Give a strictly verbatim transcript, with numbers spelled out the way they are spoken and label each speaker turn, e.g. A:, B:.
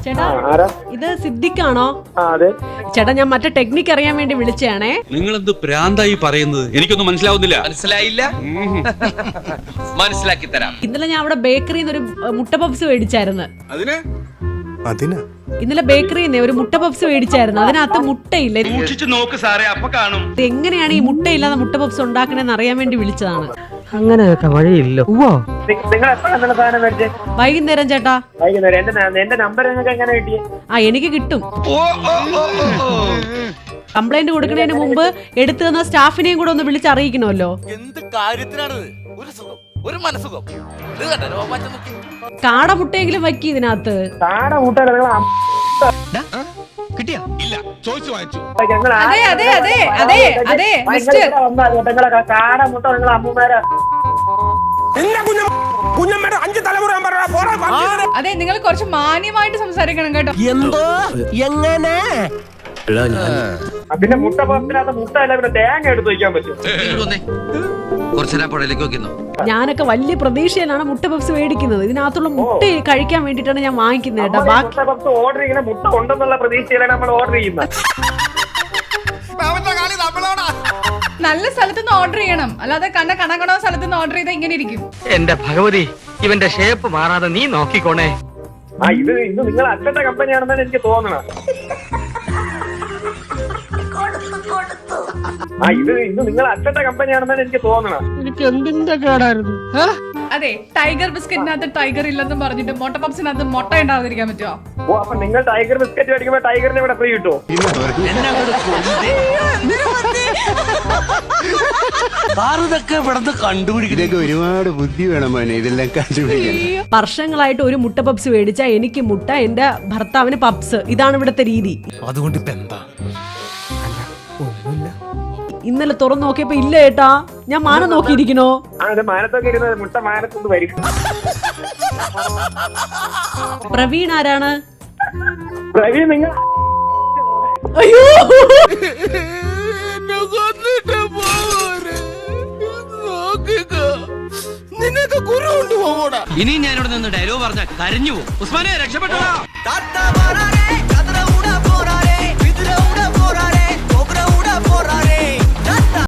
A: ചേട്ടാ ഇത് സിദ്ദിഖാണോ? ചേട്ടാ ഞാൻ മറ്റേ ടെക്നിക്ക് അറിയാൻ വേണ്ടി വിളിച്ചാണേ.
B: നിങ്ങൾ എന്ത് പ്രാന്തായി പറയുന്നത്? എനിക്കൊന്നും മനസ്സിലാവുന്നില്ല.
C: മനസ്സിലായില്ല? മനസ്സിലാക്കി തരാം.
A: ഇന്നലെ ഞാൻ അവിടെ ബേക്കറിന്ന് ഒരു മുട്ട പപ്സ് മേടിച്ചായിരുന്നു.
B: അതിന്
A: ഇന്നലെ ബേക്കറിന്ന് ഒരു മുട്ട പപ്സ് മേടിച്ചായിരുന്നു. അതിനകത്ത് മുട്ടയില്ല.
B: നോക്ക് സാറേ, അപ്പൊ കാണും.
A: എങ്ങനെയാണ് ഈ മുട്ടയില്ലാതെ മുട്ട പപ്സ് ഉണ്ടാക്കണെന്ന് അറിയാൻ വേണ്ടി വിളിച്ചതാണ്.
D: അങ്ങനെയൊക്കെ വഴിയില്ലോ.
A: വൈകുന്നേരം ചേട്ടാ. ആ എനിക്ക് കിട്ടും. കംപ്ലൈന്റ് കൊടുക്കുന്നതിന് മുമ്പ് എടുത്തു തന്ന സ്റ്റാഫിനെയും കൂടെ ഒന്ന് വിളിച്ചറിയിക്കണമല്ലോ.
C: എന്ത് കാര്യത്തിനാണിത്? ഒരു സുഖം, ഒരു മനസുഖം.
A: കാട മുട്ടയെങ്കിലും വയ്ക്കി ഇതിനകത്ത്.
C: കിട്ടിയാ? ഇല്ല, ചോദിച്ചു വാങ്ങിച്ചു.
A: അതെ അതെ അതെ അതെ അതെ മിസ്റ്റർ
E: അതെ, നിങ്ങൾ കുറച്ച് മാന്യമായിട്ട് സംസാരിക്കണം കേട്ടോ.
D: എന്തോ എങ്ങനെ
F: പിന്നെ മുട്ട പപ്സിനകത്ത് മുട്ട അല്ല, പിന്നെ തേങ്ങ എടുത്ത് വയ്ക്കാൻ പറ്റും.
A: ഞാനൊക്കെ വലിയ പ്രതീക്ഷയിലാണ് മുട്ട പപ്സ് മേടിക്കുന്നത്. ഇതിനകത്തുള്ള മുട്ട കഴിക്കാൻ വേണ്ടിട്ടാണ് ഞാൻ വാങ്ങിക്കുന്നത് കേട്ടോ. ബാക്കി
F: പപ്സ് ഓർഡർ ചെയ്യുന്ന മുട്ട ഉണ്ടെന്നുള്ള പ്രതീക്ഷയിലാണ് നമ്മൾ ഓർഡർ ചെയ്യുന്നത്.
E: നല്ല സ്ഥലത്തുനിന്ന് ഓർഡർ ചെയ്യണം, അല്ലാതെ കണ്ട കണക്കണോ സ്ഥലത്തുനിന്ന് ഓർഡർ ചെയ്താൽ ഇങ്ങനെ ഇരിക്കും.
D: എന്റെ ഭഗവതി, ഇവന്റെ ഷേപ്പ് മാറാതെ നീ നോക്കിക്കോണേ.
F: ആ ഇത് ഇത് നിങ്ങൾ അച്ഛന്റെ കമ്പനിയാണെന്നാണ് എനിക്ക് തോന്നണം. ആ ഇത് ഇത് നിങ്ങൾ അച്ഛന്റെ കമ്പനിയാണെന്നാണ് എനിക്ക് തോന്നണം.
D: എനിക്ക് എന്തിന്റെ കേടായിരുന്നു?
E: അതെ, ടൈഗർ ബിസ്ക്കറ്റിനകത്ത് ടൈഗർ ഇല്ലെന്നും പറഞ്ഞിട്ട് മുട്ട പപ്സിനകത്ത് മുട്ട ഉണ്ടാകാതിരിക്കാൻ പറ്റുമോ?
F: ഓ, അപ്പൊ നിങ്ങൾ ടൈഗർ ബിസ്ക്കറ്റ് മേടിക്കുമ്പോ ടൈഗറിനെ ഇവിടെ ഫ്രീ കിട്ടുമോ?
G: കണ്ടുപിടിക്കുന്നതൊക്കെ ഒരുപാട് ബുദ്ധി വേണം മോനെ, ഇതെല്ലാം കണ്ടുപിടിക്കാൻ.
A: വർഷങ്ങളായിട്ട് ഒരു മുട്ട പപ്സ് മേടിച്ച എനിക്ക് മുട്ട, എന്റെ ഭർത്താവിന് പപ്സ്. ഇതാണ് ഇവിടുത്തെ രീതി.
C: അതുകൊണ്ട് ഇപ്പൊ എന്താ?
A: ഇന്നലെ തുറന്നു നോക്കിയപ്പോ ഇല്ല ഏട്ടാ. ഞാൻ മാനം നോക്കിയിരിക്കണോ?
F: മാനത്തൊക്കെ ഇരുന്നത് മുട്ട മാനത്തൊന്ന് വരും.
A: പ്രവീൺ ആരാണ്?
F: പ്രവീൺ നിങ്ങൾ
A: അയ്യോ,
C: ഇനി ഞാനിവിടെ നിന്ന് ഡയലോഗ് പറഞ്ഞാൽ കരഞ്ഞു പോകും. ഉസ്മാനെ രക്ഷപ്പെട്ടോ.